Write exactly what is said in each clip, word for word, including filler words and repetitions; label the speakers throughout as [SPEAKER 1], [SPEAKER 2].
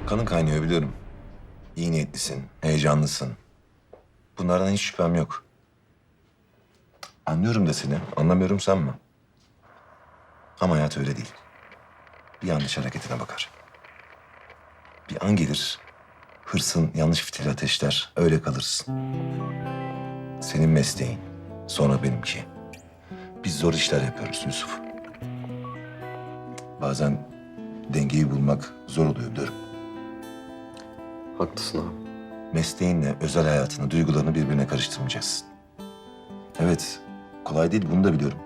[SPEAKER 1] Kanın kaynıyor biliyorum. İyi niyetlisin, heyecanlısın. Bunlardan hiç şüphem yok. Anlıyorum da seni, anlamıyorum sanma. Ama hayat öyle değil. Bir yanlış hareketine bakar. Bir an gelir, hırsın yanlış fitili ateşler, öyle kalırsın. Senin mesleğin, sonra benimki. Biz zor işler yapıyoruz Yusuf. Bazen dengeyi bulmak zor oluyor biliyorum.
[SPEAKER 2] Haklısın abi.
[SPEAKER 1] Mesleğinle özel hayatını, duygularını birbirine karıştırmayacaksın. Evet, kolay değil, bunu da biliyorum.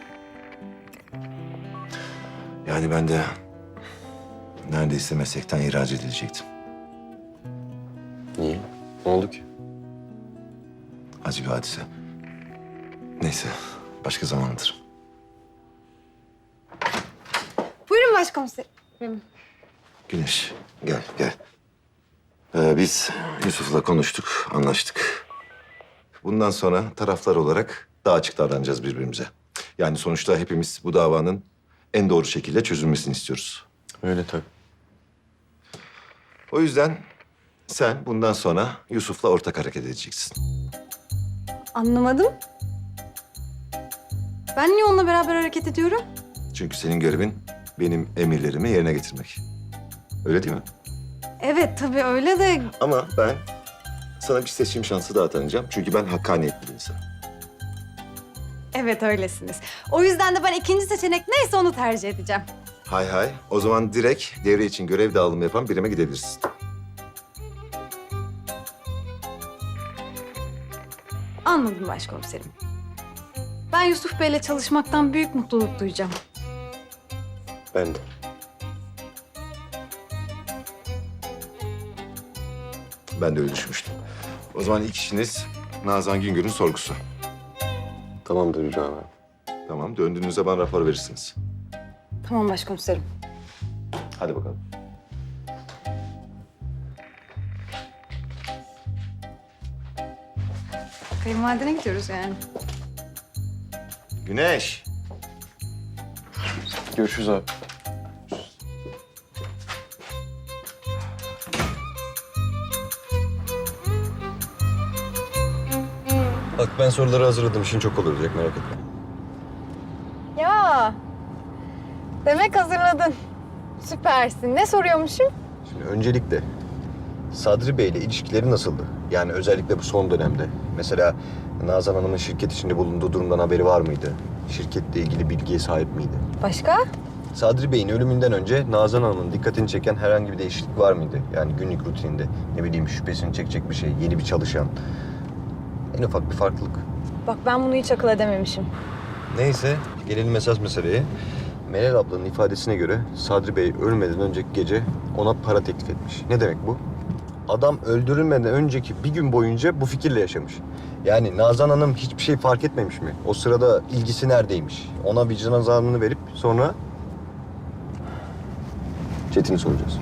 [SPEAKER 1] Yani ben de neredeyse meslekten ihraç edilecektim.
[SPEAKER 2] Niye? Ne oldu ki?
[SPEAKER 1] Acı bir hadise. Neyse, başka zaman anlatırım.
[SPEAKER 3] Buyurun başkomiserim.
[SPEAKER 1] Güneş, gel, gel. Ee, biz Yusuf'la konuştuk, anlaştık. Bundan sonra taraflar olarak daha açık davranacağız birbirimize. Yani sonuçta hepimiz bu davanın en doğru şekilde çözülmesini istiyoruz.
[SPEAKER 2] Öyle tabii.
[SPEAKER 1] O yüzden sen bundan sonra Yusuf'la ortak hareket edeceksin.
[SPEAKER 3] Anlamadım. Ben niye onunla beraber hareket ediyorum?
[SPEAKER 1] Çünkü senin görevin benim emirlerimi yerine getirmek. Öyle değil mi?
[SPEAKER 3] Evet tabii öyle de
[SPEAKER 1] Ama ben sana bir seçim şansı daha tanıyacağım. Çünkü ben hakkaniyetli bir insanım.
[SPEAKER 3] evet öylesiniz. O yüzden de ben ikinci seçenek neyse onu tercih edeceğim.
[SPEAKER 1] Hay hay. O zaman direkt devre için görev dağılımı yapan birime gidebilirsin.
[SPEAKER 3] Anladım başkomiserim. Ben Yusuf Bey'le çalışmaktan büyük mutluluk duyacağım.
[SPEAKER 2] Ben de.
[SPEAKER 1] Ben de öyle düşünmüştüm. O zaman ilk işiniz Nazan Güngör'ün sorgusu.
[SPEAKER 2] Tamamdır İbrahim abi.
[SPEAKER 1] Tamam. Döndüğünüzde bana rapor verirsiniz.
[SPEAKER 3] Tamam başkomiserim.
[SPEAKER 1] Hadi bakalım.
[SPEAKER 3] Kayınvalidene gidiyoruz yani.
[SPEAKER 1] Güneş.
[SPEAKER 2] Görüşürüz abi. Bak ben soruları hazırladım. İşin çok kolay olacak merak etme.
[SPEAKER 3] Ya demek hazırladın. Süpersin. Ne soruyormuşum?
[SPEAKER 2] Şimdi öncelikle Sadri Bey ile ilişkileri nasıldı? Yani özellikle bu son dönemde. Mesela Nazan Hanım'ın şirket içinde bulunduğu durumdan haberi var mıydı? Şirketle ilgili bilgiye sahip miydi?
[SPEAKER 3] Başka?
[SPEAKER 2] Sadri Bey'in ölümünden önce Nazan Hanım'ın dikkatini çeken herhangi bir değişiklik var mıydı? Yani günlük rutininde ne bileyim şüphesini çekecek bir şey, yeni bir çalışan. En ufak bir farklılık.
[SPEAKER 3] Bak ben bunu hiç akıl edememişim.
[SPEAKER 2] Neyse gelelim esas meseleye. Meral ablanın ifadesine göre Sadri Bey ölmeden önceki gece ona para teklif etmiş. Ne demek bu? Adam öldürülmeden önceki bir gün boyunca bu fikirle yaşamış. Yani Nazan Hanım hiçbir şey fark etmemiş mi? O sırada ilgisi neredeymiş? Ona vicdan azabını verip sonra Çetin'i soracağız.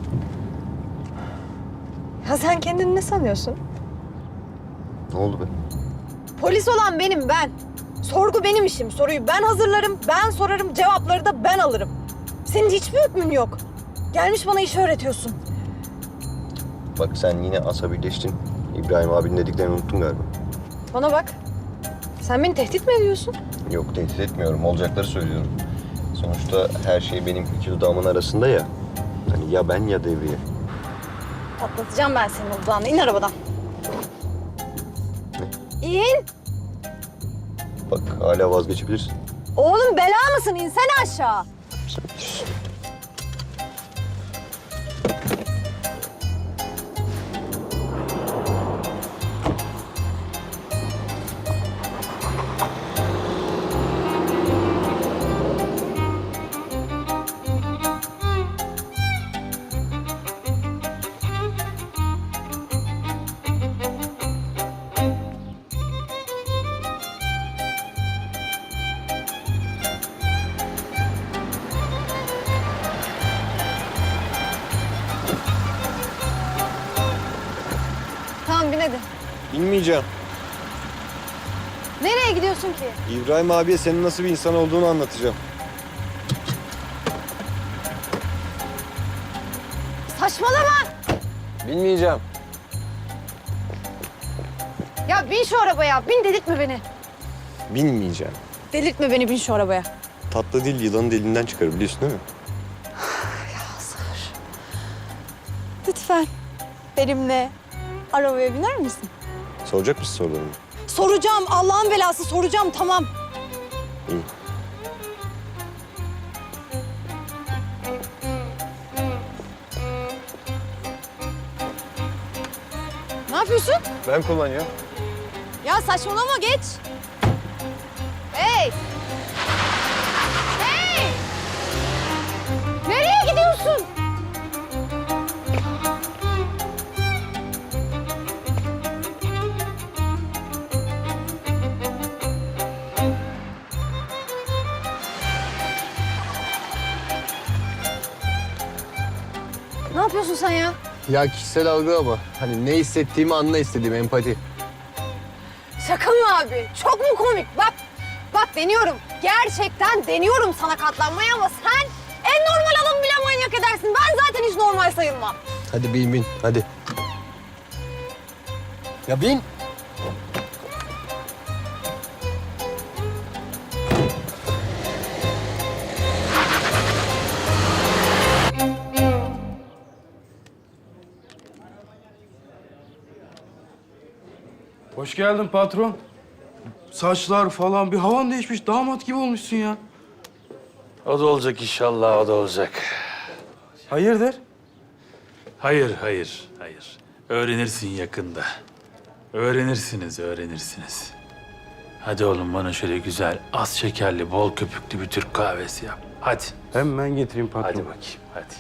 [SPEAKER 3] Ya sen kendini ne sanıyorsun?
[SPEAKER 2] Ne oldu be?
[SPEAKER 3] Polis olan benim ben. Sorgu benim işim. Soruyu ben hazırlarım, ben sorarım, cevapları da ben alırım. Senin hiçbir hükmün yok. Gelmiş bana iş öğretiyorsun.
[SPEAKER 2] Bak sen yine asabileştin. İbrahim abinin dediklerini unuttun galiba.
[SPEAKER 3] Bana bak. Sen beni tehdit mi ediyorsun?
[SPEAKER 2] Yok tehdit etmiyorum. Olacakları söylüyorum. Sonuçta her şey benim iki dudağımın arasında ya. Hani ya ben ya devriye.
[SPEAKER 3] Patlatacağım ben senin odağını. İn arabadan. İn.
[SPEAKER 2] Bak hala vazgeçebilirsin.
[SPEAKER 3] Oğlum bela mısın? İnsene aşağı.
[SPEAKER 2] Sen...
[SPEAKER 3] Tamam bin hadi.
[SPEAKER 2] İnmeyeceğim.
[SPEAKER 3] Nereye gidiyorsun ki?
[SPEAKER 2] İbrahim abiye senin nasıl bir insan olduğunu anlatacağım.
[SPEAKER 3] Saçmalama.
[SPEAKER 2] Bilmeyeceğim.
[SPEAKER 3] Ya bin şu arabaya. Bin, delirtme beni.
[SPEAKER 2] Bilmeyeceğim.
[SPEAKER 3] Delirtme beni, bin şu arabaya.
[SPEAKER 2] Tatlı dil yılanın dilinden çıkar biliyorsun değil mi?
[SPEAKER 3] Lütfen benimle arabaya biner misin?
[SPEAKER 2] Soracak mısın sorularını?
[SPEAKER 3] Soracağım. Allah'ın belası soracağım. Tamam.
[SPEAKER 2] İyi.
[SPEAKER 3] Ne yapıyorsun?
[SPEAKER 2] Ben kullanıyorum.
[SPEAKER 3] Ya saçmalama, geç. Hey! Hey! Nereye gidiyorsun? Ne yapıyorsun sen ya?
[SPEAKER 2] Ya kişisel algı ama. Hani ne hissettiğimi anla istediğim empati.
[SPEAKER 3] Şaka mı abi? Çok mu komik? Bak, bak deniyorum. Gerçekten deniyorum sana katlanmayı ama sen en normal adamı bile manyak edersin. Ben zaten hiç normal sayılmam.
[SPEAKER 2] Hadi bin bin hadi. Ya bin.
[SPEAKER 4] Hoş geldin patron. Saçlar falan bir havan değişmiş. Damat gibi olmuşsun ya.
[SPEAKER 5] O da olacak inşallah, o da olacak.
[SPEAKER 4] Hayırdır?
[SPEAKER 5] Hayır, hayır, hayır. Öğrenirsin yakında. Öğrenirsiniz, öğrenirsiniz. Hadi oğlum bana şöyle güzel, az şekerli, bol köpüklü bir Türk kahvesi yap. Hadi.
[SPEAKER 4] Hemen getireyim patron.
[SPEAKER 5] Hadi bakayım, hadi.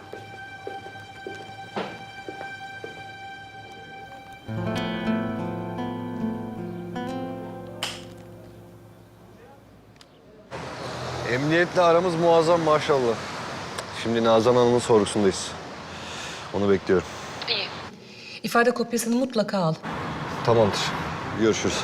[SPEAKER 2] Emniyetle aramız muazzam maşallah. Şimdi Nazan Hanım'ın sorgusundayız. Onu bekliyorum.
[SPEAKER 6] İfade kopyasını mutlaka al.
[SPEAKER 2] Tamamdır. Görüşürüz.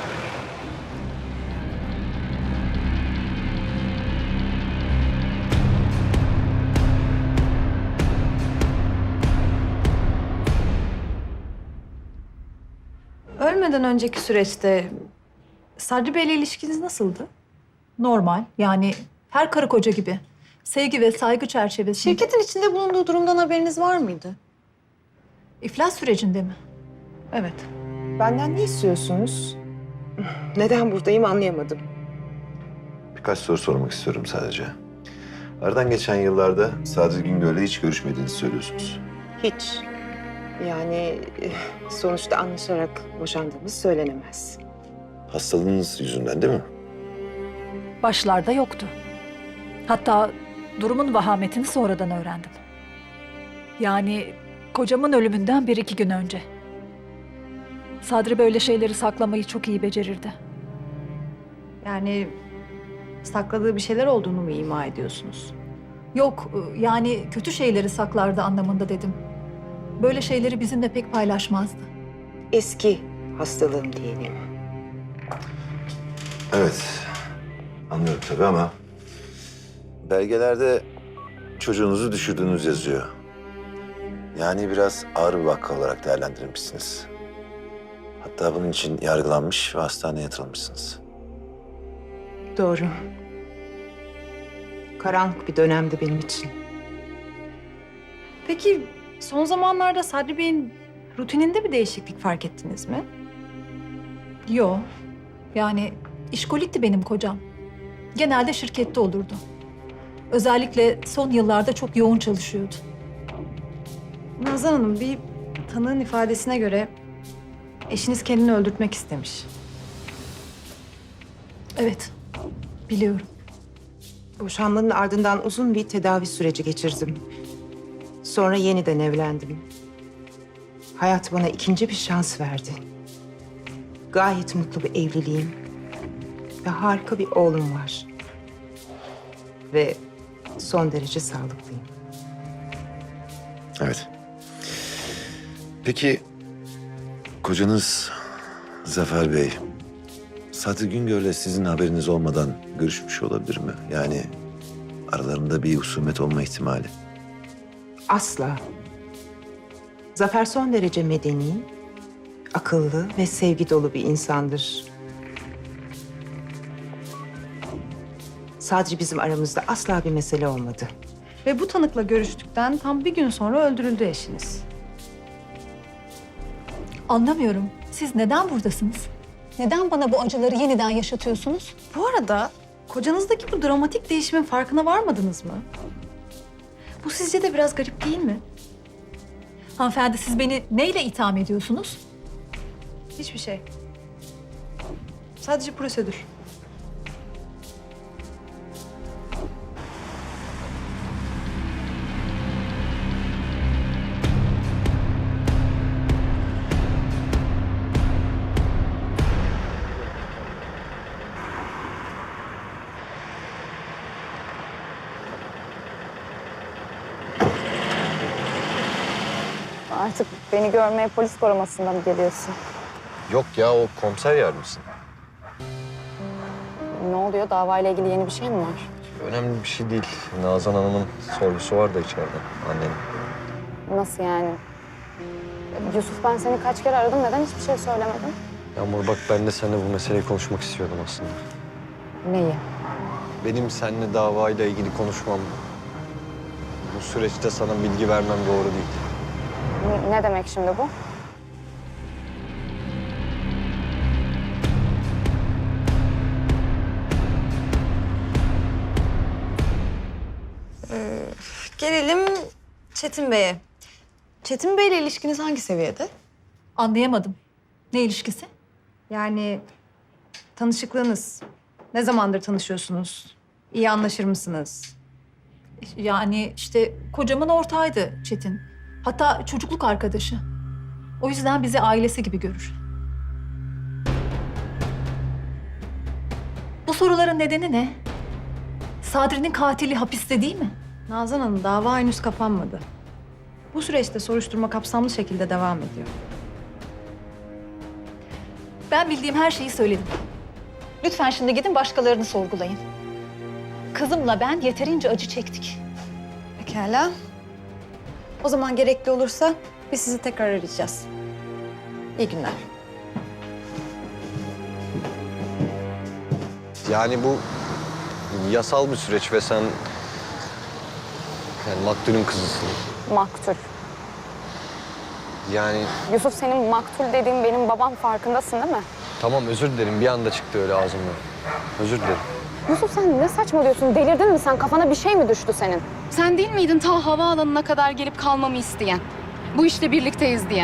[SPEAKER 7] Ölmeden önceki süreçte Sadri Bey'le ilişkiniz nasıldı?
[SPEAKER 6] Normal, yani her karı koca gibi. Sevgi ve saygı çerçevesinde.
[SPEAKER 7] Şirketin içinde bulunduğu durumdan haberiniz var mıydı?
[SPEAKER 6] İflas sürecinde mi?
[SPEAKER 7] Evet.
[SPEAKER 8] Benden ne istiyorsunuz? Neden buradayım anlayamadım.
[SPEAKER 1] Birkaç soru sormak istiyorum sadece. Aradan geçen yıllarda Sadri Güngör'le hiç görüşmediğinizi söylüyorsunuz.
[SPEAKER 8] Hiç. Yani eh, sonuçta anlaşarak boşandığımız söylenemez.
[SPEAKER 1] Hastalığınız yüzünden değil mi?
[SPEAKER 6] Başlarda yoktu. Hatta durumun vahametini sonradan öğrendim. Yani kocamın ölümünden bir iki gün önce. Sadri böyle şeyleri saklamayı çok iyi becerirdi.
[SPEAKER 7] Yani sakladığı bir şeyler olduğunu mu ima ediyorsunuz?
[SPEAKER 6] Yok, yani kötü şeyleri saklardı anlamında dedim. Böyle şeyleri bizimle pek paylaşmazdı.
[SPEAKER 8] Eski hastalığım diyelim.
[SPEAKER 1] Evet. Anlıyorum tabii ama belgelerde çocuğunuzu düşürdüğünüz yazıyor. Yani biraz ağır bir vaka olarak değerlendirilmişsiniz. Hatta bunun için yargılanmış ve hastaneye yatırılmışsınız.
[SPEAKER 8] Doğru. Karanlık bir dönemdi benim için.
[SPEAKER 7] Peki son zamanlarda Sadri Bey'in rutininde bir değişiklik fark ettiniz mi?
[SPEAKER 6] Yo, yani işkolikti benim kocam. Genelde şirkette olurdu. Özellikle son yıllarda çok yoğun çalışıyordu.
[SPEAKER 7] Nazan Hanım, bir tanığın ifadesine göre eşiniz kendini öldürtmek istemiş.
[SPEAKER 6] Evet, biliyorum.
[SPEAKER 8] Boşanmanın ardından uzun bir tedavi süreci geçirdim. Sonra yeniden evlendim. Hayat bana ikinci bir şans verdi. Gayet mutlu bir evliliğim ve harika bir oğlum var. Ve son derece sağlıklıyım.
[SPEAKER 1] Evet. Peki kocanız Zafer Bey, Sadri Güngör'le sizin haberiniz olmadan görüşmüş olabilir mi? Yani aralarında bir husumet olma ihtimali.
[SPEAKER 8] Asla. Zafer son derece medeni, akıllı ve sevgi dolu bir insandır. Sadece bizim aramızda asla bir mesele olmadı.
[SPEAKER 7] Ve bu tanıkla görüştükten tam bir gün sonra öldürüldü eşiniz.
[SPEAKER 6] Anlamıyorum. Siz neden buradasınız?
[SPEAKER 3] Neden bana bu acıları yeniden yaşatıyorsunuz?
[SPEAKER 7] Bu arada kocanızdaki bu dramatik değişimin farkına varmadınız mı? Bu sizce de biraz garip değil mi?
[SPEAKER 6] Hanımefendi siz beni neyle itham ediyorsunuz?
[SPEAKER 7] Hiçbir şey. Sadece prosedür.
[SPEAKER 3] Artık beni görmeye polis korumasında mı geliyorsun?
[SPEAKER 2] Yok ya, o komiser yardımcısı.
[SPEAKER 3] Ne oluyor? Davayla ilgili yeni bir şey mi var?
[SPEAKER 2] Önemli bir şey değil. Nazan Hanım'ın sorgusu var da içeride, annenin.
[SPEAKER 3] Nasıl yani? Yusuf, ben seni kaç kere aradım. Neden hiçbir şey söylemedin?
[SPEAKER 2] Yağmur bak, ben de seninle bu meseleyi konuşmak istiyordum aslında.
[SPEAKER 3] Neyi?
[SPEAKER 2] Benim seninle davayla ilgili konuşmam, bu süreçte sana bilgi vermem doğru değil.
[SPEAKER 3] Ne, ne demek şimdi bu?
[SPEAKER 7] Gelelim Çetin Bey'e. Çetin Bey'le ilişkiniz hangi seviyede?
[SPEAKER 6] Anlayamadım. Ne ilişkisi?
[SPEAKER 7] Yani tanışıklığınız. Ne zamandır tanışıyorsunuz? İyi anlaşır mısınız?
[SPEAKER 6] Yani işte kocamın ortağıydı Çetin. Hatta çocukluk arkadaşı. O yüzden bizi ailesi gibi görür. Bu soruların nedeni ne? Sadri'nin katili hapiste değil mi?
[SPEAKER 7] Nazan Hanım, dava henüz kapanmadı. Bu süreçte soruşturma kapsamlı şekilde devam ediyor.
[SPEAKER 6] Ben bildiğim her şeyi söyledim. Lütfen şimdi gidin başkalarını sorgulayın. Kızımla ben yeterince acı çektik.
[SPEAKER 7] Pekala. O zaman gerekli olursa biz sizi tekrar arayacağız. İyi günler.
[SPEAKER 2] Yani bu yasal bir süreç ve sen yani maktulün kızısın.
[SPEAKER 3] Maktul.
[SPEAKER 2] Yani
[SPEAKER 3] Yusuf, senin maktul dediğin benim babam, farkındasın değil mi?
[SPEAKER 2] tamam, özür dilerim, bir anda çıktı öyle ağzımdan. Özür dilerim.
[SPEAKER 3] Yusuf, sen ne saçmalıyorsun? Delirdin mi sen? Kafana bir şey mi düştü senin?
[SPEAKER 9] Sen değil miydin ta havaalanına kadar gelip kalmamı isteyen? Bu işte birlikteyiz diyen.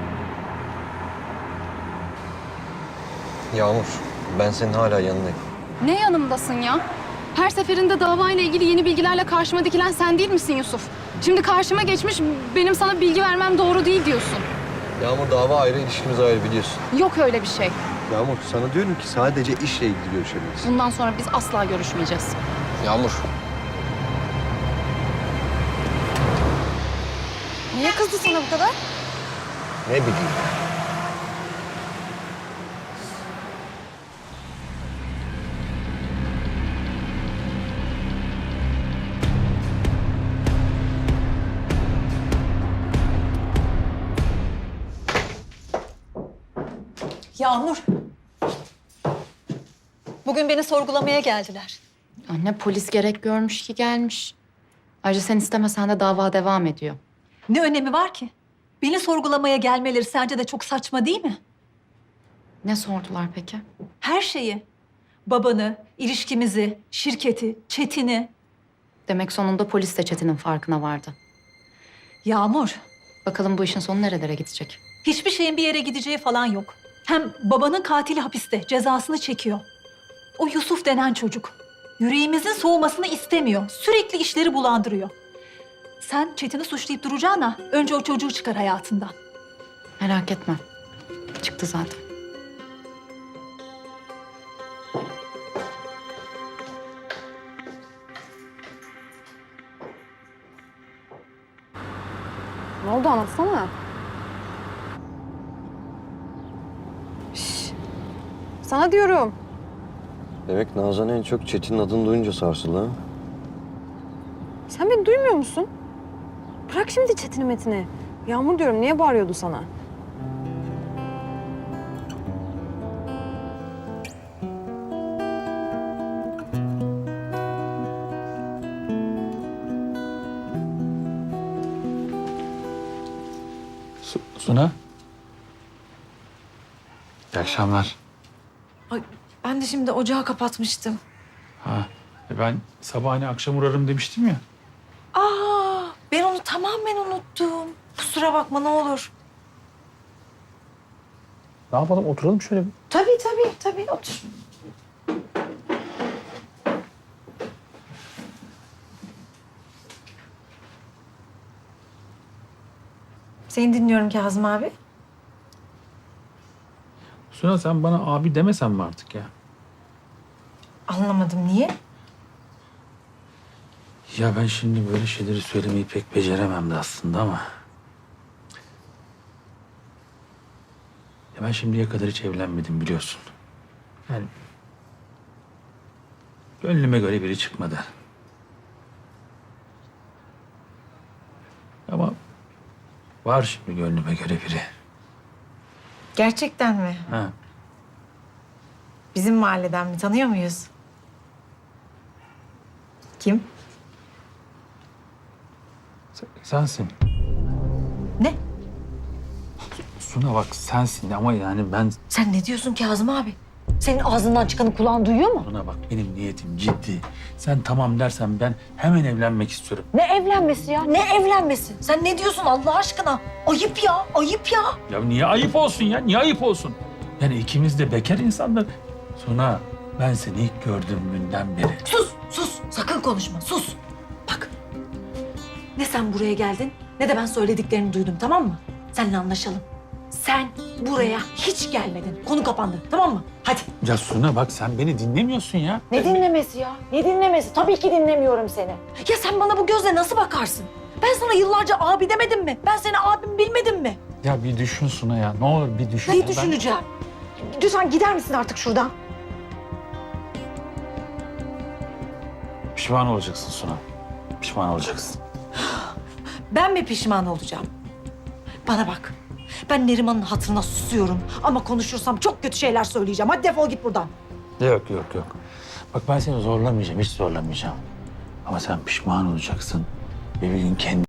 [SPEAKER 2] Yağmur, ben senin hala yanındayım.
[SPEAKER 9] Ne yanımdasın ya? Her seferinde davayla ilgili yeni bilgilerle karşıma dikilen sen değil misin Yusuf? Şimdi karşıma geçmiş, benim sana bilgi vermem doğru değil diyorsun.
[SPEAKER 2] Yağmur, dava ayrı, ilişkimiz ayrı, biliyorsun.
[SPEAKER 9] Yok öyle bir şey.
[SPEAKER 2] Yağmur, sana diyorum ki sadece işle ilgili görüşebiliriz.
[SPEAKER 9] Bundan sonra biz asla görüşmeyeceğiz.
[SPEAKER 2] Yağmur.
[SPEAKER 9] Niye kızdı sana bu kadar?
[SPEAKER 2] Ne bileyim.
[SPEAKER 6] Yağmur. Bugün beni sorgulamaya geldiler.
[SPEAKER 9] Anne, polis gerek görmüş ki gelmiş. Ayrıca sen istemesen de dava devam ediyor.
[SPEAKER 6] Ne önemi var ki? Beni sorgulamaya gelmeleri sence de çok saçma değil mi?
[SPEAKER 9] Ne sordular peki?
[SPEAKER 6] Her şeyi. Babanı, ilişkimizi, şirketi, Çetin'i.
[SPEAKER 9] Demek sonunda polis de Çetin'in farkına vardı.
[SPEAKER 6] Yağmur,
[SPEAKER 9] Bakalım bu işin sonu nerelere gidecek?
[SPEAKER 6] hiçbir şeyin bir yere gideceği falan yok. Hem babanın katili hapiste, cezasını çekiyor. O Yusuf denen çocuk. Yüreğimizin soğumasını istemiyor. Sürekli işleri bulandırıyor. Sen Çetin'i suçlayıp duracağına önce o çocuğu çıkar hayatından.
[SPEAKER 9] Merak etme. Çıktı zaten.
[SPEAKER 3] Ne oldu, anlatsana. Sana diyorum.
[SPEAKER 2] Demek Nazan en çok Çetin'in adını duyunca sarsıldı ha?
[SPEAKER 3] Sen beni duymuyor musun? Bırak şimdi Çetin'i Metin'i. Yağmur diyorum, niye bağırıyordu sana?
[SPEAKER 5] Su- Suna. İyi akşamlar.
[SPEAKER 10] Ay, ben de şimdi ocağı kapatmıştım.
[SPEAKER 5] Ha, e ben sabahine akşam uğrarım demiştim ya.
[SPEAKER 10] Aa, ben onu tamamen unuttum. Kusura bakma ne olur.
[SPEAKER 5] Ne yapalım, oturalım şöyle bir.
[SPEAKER 10] Tabii tabii tabii otur. Seni dinliyorum Kazım abi.
[SPEAKER 5] Suna sen bana abi demesen mi artık ya?
[SPEAKER 10] Anlamadım niye?
[SPEAKER 5] Ya ben şimdi böyle şeyleri söylemeyi pek beceremem de aslında ama... Ya ben şimdiye kadar hiç evlenmedim biliyorsun. Yani... Gönlüme göre biri çıkmadı. Ama... Var şimdi gönlüme göre biri.
[SPEAKER 10] Gerçekten mi?
[SPEAKER 5] Ha.
[SPEAKER 10] Bizim mahalleden mi? Tanıyor muyuz? Kim?
[SPEAKER 5] Sen- sensin.
[SPEAKER 10] Ne?
[SPEAKER 5] Suna bak sensin ama yani ben...
[SPEAKER 10] Sen ne diyorsun Kazım abi? Senin ağzından çıkanı kulağın duyuyor mu?
[SPEAKER 5] Suna bak benim niyetim ciddi. Sen tamam dersen ben hemen evlenmek istiyorum.
[SPEAKER 10] Ne evlenmesi ya? Ne evlenmesi? Sen ne diyorsun Allah aşkına? Ayıp ya, ayıp ya.
[SPEAKER 5] Ya niye ayıp olsun ya? Niye ayıp olsun? Yani ikimiz de bekar insanlar. Suna ben seni ilk gördüğüm günden beri...
[SPEAKER 10] Sus, sus. Sakın konuşma, sus. Bak, ne sen buraya geldin ne de ben söylediklerini duydum, tamam mı? Seninle anlaşalım. Sen buraya hiç gelmedin. Konu kapandı, tamam mı? Hadi.
[SPEAKER 5] Ya Suna bak sen beni dinlemiyorsun ya.
[SPEAKER 10] Ne dinlemesi ya? Ne dinlemesi? Tabii ki dinlemiyorum seni. Ya sen bana bu gözle nasıl bakarsın? Ben sana yıllarca abi demedim mi? Ben seni abim bilmedim mi?
[SPEAKER 5] Ya bir düşün Suna ya. Ne olur bir düşün.
[SPEAKER 10] Neyi
[SPEAKER 5] ya. Ben-
[SPEAKER 10] düşüneceğim? Lütfen gider misin artık şuradan?
[SPEAKER 5] Pişman olacaksın Suna. Pişman olacaksın.
[SPEAKER 10] Ben mi pişman olacağım? Bana bak. Ben Neriman'ın hatırına susuyorum. Ama konuşursam çok kötü şeyler söyleyeceğim. Hadi defol git buradan.
[SPEAKER 5] Yok yok yok. Bak ben seni zorlamayacağım. Hiç zorlamayacağım. Ama sen pişman olacaksın. Ve bir gün kendi